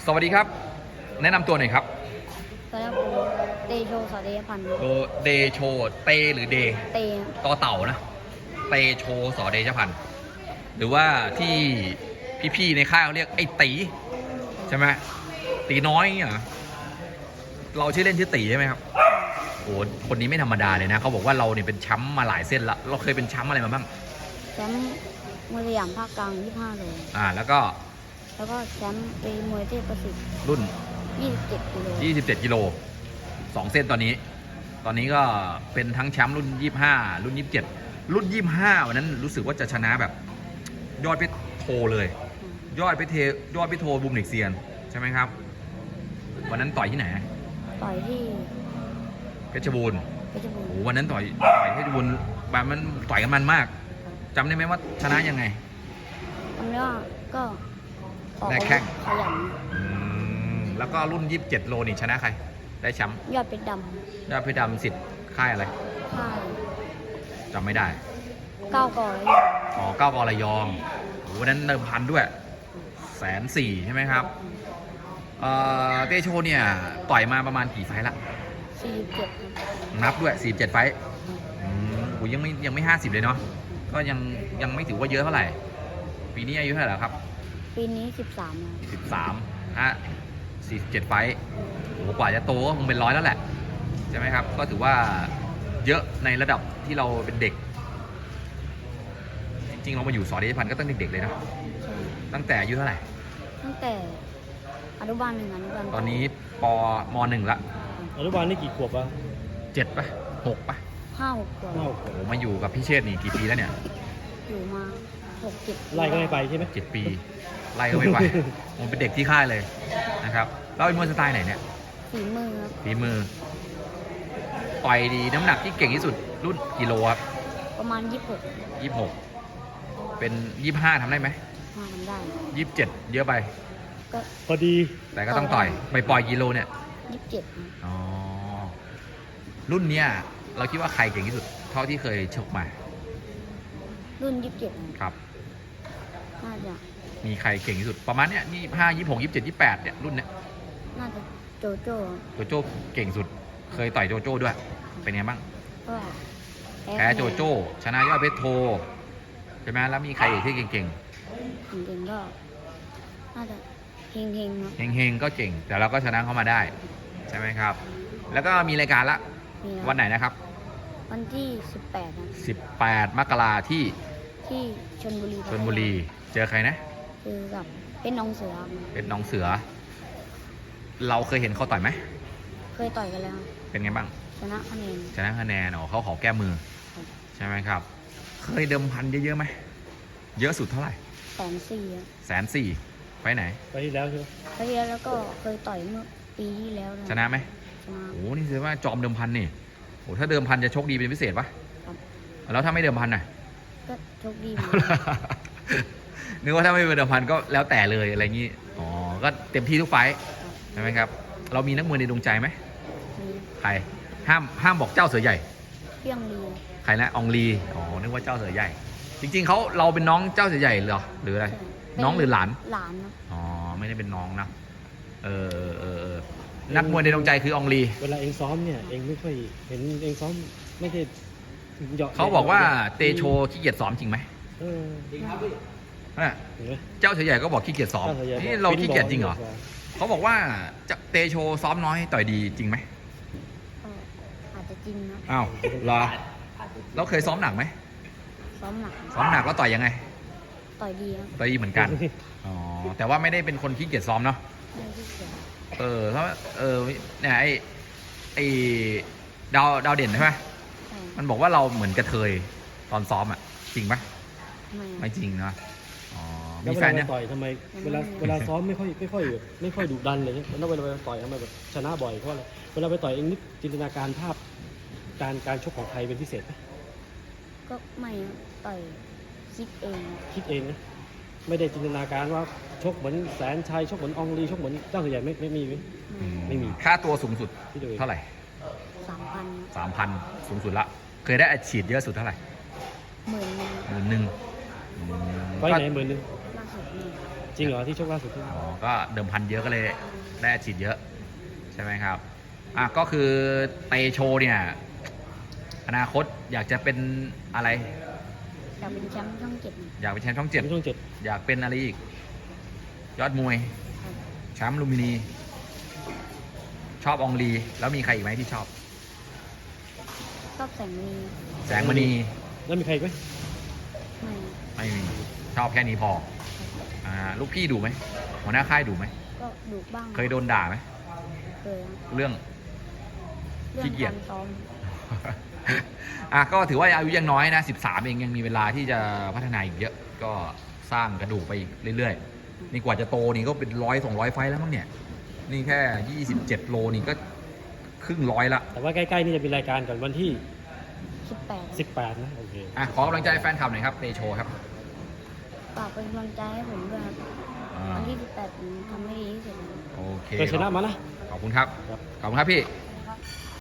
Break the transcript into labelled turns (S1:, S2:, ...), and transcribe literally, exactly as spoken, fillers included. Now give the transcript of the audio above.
S1: สวัสดีครับแนะนำตัวหน่อยครับ
S2: สวัสดีครับผมเตโชสอเดชพันธ์
S1: โดเดโชเตหรือเด
S2: เต
S1: ต่อเต่านะเตโชสอเดชพันธ์หรือว่าที่พี่ๆในค่ายเขาเรียกไอ้ตีใช่ไหมตีน้อยเนี่ยเราชื่อเล่นชื่อตีใช่ไหมครับโอ้คนนี้ไม่ธรรมดาเลยนะเขาบอกว่าเราเนี่ยเป็นแชมป์มาหลายเส้นละเราเคยเป็นแชมป์อะไรมาบ้าง
S2: แชมป์มวยสยามภาคกลางยี่สิบห้าโล
S1: อ่าแล้วก็
S2: แล้วก็แชมป์ปีมวยเทพประสิทธิ์
S1: รุ่น
S2: ยี่สิบเจ็ดกิโล
S1: ยี่สิบเจ็ดกิโลสองเส้นตอนนี้ตอนนี้ก็เป็นทั้งแชมป์รุ่นยี่สิบห้ารุ่นยี่สิบเจ็ดรุ่นยี่สิบห้าวันนั้นรู้สึกว่าจะชนะแบบยอดเพชรโทเลยยอดเพชรเทยอดเพชรโทบุมเด็กเซียนใช่ไหมครับวันนั้นต่อยที่ไหน
S2: ต่อยที่
S1: เพชรบูรณ์
S2: เพชรบูรณ์
S1: โอ้วันนั้นต่อยต่อยเพชรบูรณ์แบบมันต่อยกันมันมากจำได้ไหมว่าชนะยังไง
S2: จำได้ว่าก็
S1: แรกแข้ง
S2: ขยัน
S1: แล้วก็รุ่นยี่สิบเจ็ดโลนี่ชนะใครได้แชมป์
S2: ยอดเพชรด
S1: ำยอดเพชรดำสิทธิ์ค่ายอะไร
S2: ค่าย
S1: จำไม่ได้
S2: เก้ากอระยอง
S1: อ๋อเก้ากอระยองวันนั้นเดิมพันด้วยแสนสี่ใช่ไหมครับเอ่อเตโชเนี่ยต่อยมาประมาณกี่ไฟล์ละ
S2: สี่สิบเจ็ด
S1: นับด้วยสี่สิบเจ็ดไฟล์อืมโหยังไม่ยังไม่ห้าสิบเลยเนาะก็ยังยังไม่ถือว่าเยอะเท่าไหร่ปีนี้อายุเท่าไหร่แล้วครับ
S2: ปีนี้สิบสาม
S1: สิบสามฮะสี่สิบเจ็ดไฟล์โหกว่าจะโตก็คงเป็นร้อยแล้วแหละใช่ไหมครับก็ถือว่าเยอะในระดับที่เราเป็นเด็กจริงๆเรามาอยู่สอเดชพันธ์ก็ตั้งเด็กๆเลยนะตั้งแต่อายุเท่าไหร่
S2: ตั้งแต่อนุบาลหนึ่งอนุบาล
S1: ตอนนี้ปมหนึ่งละ
S3: อนุบาลนี่กี่ขวบอะ
S1: เจ็ดปะหกปะ
S2: ห้าหกขวบ
S3: โอ้โห
S1: มาอยู่กับพี่เชษฐ์นี่กี่ปีแล้วเนี่ย
S2: อยู่มาหกเจ็ด
S3: ไล่ก็ไม่ไปใช่ไหม
S1: เจ็ดปีไล่ก็ไม่ไปมันเป็นเด็กที่ค่ายเลยนะครับเราเป็นมวยสไตล์ไหนเนี่ย
S2: ฝีมือครับ
S1: ฝีมือต่อยดีน้ำหนักที่เก่งที่สุดรุ่นกิโลครับ
S2: ประมาณยี่สิบหก
S1: ยี่สิบหกเป็นยี่สิบห้าทำได้ไหม
S2: ทำได้
S1: ยี่สิบเจ็ดเยอะไป
S2: ก็
S3: พอดี
S1: แต่ก็ต้องต่อยไปปล่อยกิโลเนี่ย
S2: ยี่สิบเจ็ด
S1: อ๋อรุ่นเนี้ยเราคิดว่าใครเก่งที่สุดเท่าที่เคยชกมา
S2: รุ่นยี่สิบเจ็ด
S1: ครับ
S2: น่าจะ
S1: มีใครเก่งที่สุดประมาณเนี้ยยี่สิบห้ายี่สิบหกยี่สิบเจ็ดยี่สิบแปดเนี่ยรุ่นเนี้ย
S2: น่าจะโจโจ้
S1: โจโจ้เก่งสุดเคยต่อยโจโจ้ด้วยเป็นไงบ้าง
S2: ก็
S1: แพ้โจโจ้ชนะยอดเพชรโทใช่ไหมแล้วมีใครอีกที่เก่งๆเก่ง
S2: ๆก็น่าจะเฮงเฮง
S1: เฮงเฮงก็เก่งแต่เราก็ชนะเขามาได้ใช่ไหมครับแล้วก็มีรายการละวันไหนนะครับ
S2: วันที่สิบแปดนะ
S1: สิบแปดมกราที่
S2: ที่ชลบุรี
S1: ชลบุรีเจอใครนะ
S2: เจอกับเป็นน้องเสือ
S1: เป็นน้องเสือเราเคยเห็นเขาต่อยไหม
S2: เคยต่อยกันแล้ว
S1: เป็นไงบ้าง
S2: ชนะคะแนน
S1: ชนะคะแนนอ๋อเขาขอแก้มือใช่ไหมครับเคยเดิมพันเยอะๆไหมเยอะสุดเท่าไหร่
S2: แสนสี่
S1: แสนสี่ไปไหน
S3: ไปที่แล้วใช่ไหม
S2: ไปที่แล้วแล้วก็เคยต่อยเมื่อปีที่แล้ว
S1: ชนะไหม
S2: ชนะ
S1: โอ้นี่แสดงว่าจอมเดิมพันนี่โอ้ถ้าเดิมพันจะโชคดีเป็นพิเศษปะแล้วถ้าไม่เดิมพันน่ะ
S2: ก็โชคดี
S1: นึกว่าถ้าไม่เป็นเดิมพันก็แล้วแต่เลยอะไรงี้อ๋อก็เต็มที่ทุกไฟใช่ไหมครับเรามีนักมวยในดวงใจไหมใครห้ามห้ามบอกเจ้าเสือใหญ่
S2: เพียงลี
S1: ใครนะอองลีอ๋อนึกว่าเจ้าเสือใหญ่จริงๆเขาเราเป็นน้องเจ้าเสือใหญ่เหรอหรืออะไรน้องหรือหลาน
S2: หลานนะ
S1: อ๋อไม่ได้เป็นน้องนะเออเออนักมวยในดวงใจคืออองลี
S3: เวลาเองซ้อมเนี่ยเองไม่ค่อยเห็นเองซ้อมไม่ได้
S1: เขาบอกว่าเตโชขี้เกียจซ้อมจริงไหม
S3: เออจริงครับพี่
S1: เจ้าเสือใหญ่ก็บอกขี้เกียจซ้อมนี่เราขี้เกียจจริงเหรอเขาบอกว่าจะเตโชซ้อมน้อยต่อยดีจริงไหม
S2: อาจจะจริงนะ
S1: อ้าวเหรอเราเคยซ้อมหนักไหม
S2: ซ้อมหนัก
S1: ซ้อมหนักแล้วต่อยยังไง
S2: ต่อยดี
S1: ต่อยดีเหมือนกันอ๋อแต่ว่าไม่ได้เป็นคนขี้เกียจซ้อมเนาะเออเพราะเออเนี่ยไอไอดาวดาวเด่นใช่ไหมมันบอกว่าเราเหมือนกระเทยตอนซ้อมอ่ะจริงปะไม่จริงนะอ๋อ
S3: มีแฟนเนี่ยต่อยทำไมเวลาเวลาซ้อมไม่ค่อยไม่ค่อยไม่ค่อยดุดันเลยแล้วเวลาไปต่อยทำไมแบบชนะบ่อยเพราะอะไรเวลาไปต่อยเองนิดจินตนาการภาพการการชกของใครเป็นพิเศษไหม
S2: ก็ไม่ต่อยคิดเอง
S3: คิดเองนะไม่ได้จินตนาการว่าชกเหมือนแสนชัยชกเหมือนอองลีชกเหมือนเจ้าเสือใหญ่ไม่ไม่มีไม่มี
S1: ค่าตัวสูงสุดเท่าไหร่
S2: สามพัน
S1: สามพันสูงสุดละเคยได้อัดฉีดเยอะสุดเท่าไหร่
S2: หมื่นหนึ่ง
S1: หมื่นหนึ่ง
S3: ไปไหนหมื่นหนึ่ง
S2: ล่าสุดนี่
S3: จริงเหรอที่ชกล่าสุดที่
S1: อ๋อก็เดิมพันเยอะก็เลยได้อัดฉีดเยอะใช่ไหมครับอ่ะก็คือเตโชเนี่ยอนาคตอยากจะเป็นอะไร
S2: อยากเป็นแชมป์ช่องเจ็ด
S1: อยากเป็นแชมป์ช่องเจ็ด
S3: ช่วงเจ็ด
S1: อยากเป็นอะไรอีก ยอดมวย
S2: ครับ
S1: แชมป์ลุมพินี ชอบอองลี แล้วมีใครอีกไหมที่ชอบ
S2: ชอบแสงมี
S1: แสงมณี
S3: แล้วมีใครอีกไหม
S2: ไม่
S1: ไม่มี ชอบแค่นี้พออ่าลูกพี่ดูไหมหัวหน้าค่ายดูไหม
S2: ก็ดุบ้าง
S1: เคยโดนด่าไหม
S2: เคยครับ
S1: เรื่อง
S2: เรื่
S1: ขี้
S2: อง
S1: เกียจ
S2: การซ้อม
S1: อ่ะก็ถือว่าอายุยังน้อยนะสิบสามเองยังมีเวลาที่จะพัฒนาอีกเยอะ ก็สร้างกระดูกไปอีกเรื่อยๆ นี่กว่าจะโตนี่ก็เป็นร้อยสองร้อยไฟต์แล้วมั้งเนี่ย นี่แค่ยี่สิบเจ็ดโลนี่ก็ครึ่งร้อยละ
S3: แต่ว่าใกล้ๆนี่จะเป็นรายการก่อนวันที่
S2: สิบแปด
S3: สิบแปดนะโอเค
S1: อ่ะขอกำลังใจแฟนคลับหน่อยครับเตโชครับ
S2: ฝากเป็นกำลังใจให้ผมด้วยครับ
S1: อ่า
S2: วันที่สิบแปดผมทำให้ดีที่สุดครับ
S1: โอเค
S3: เคยชนะมานะ
S1: ขอบคุณครับ
S3: ครับ
S1: ขอบคุณครับพี่
S2: ค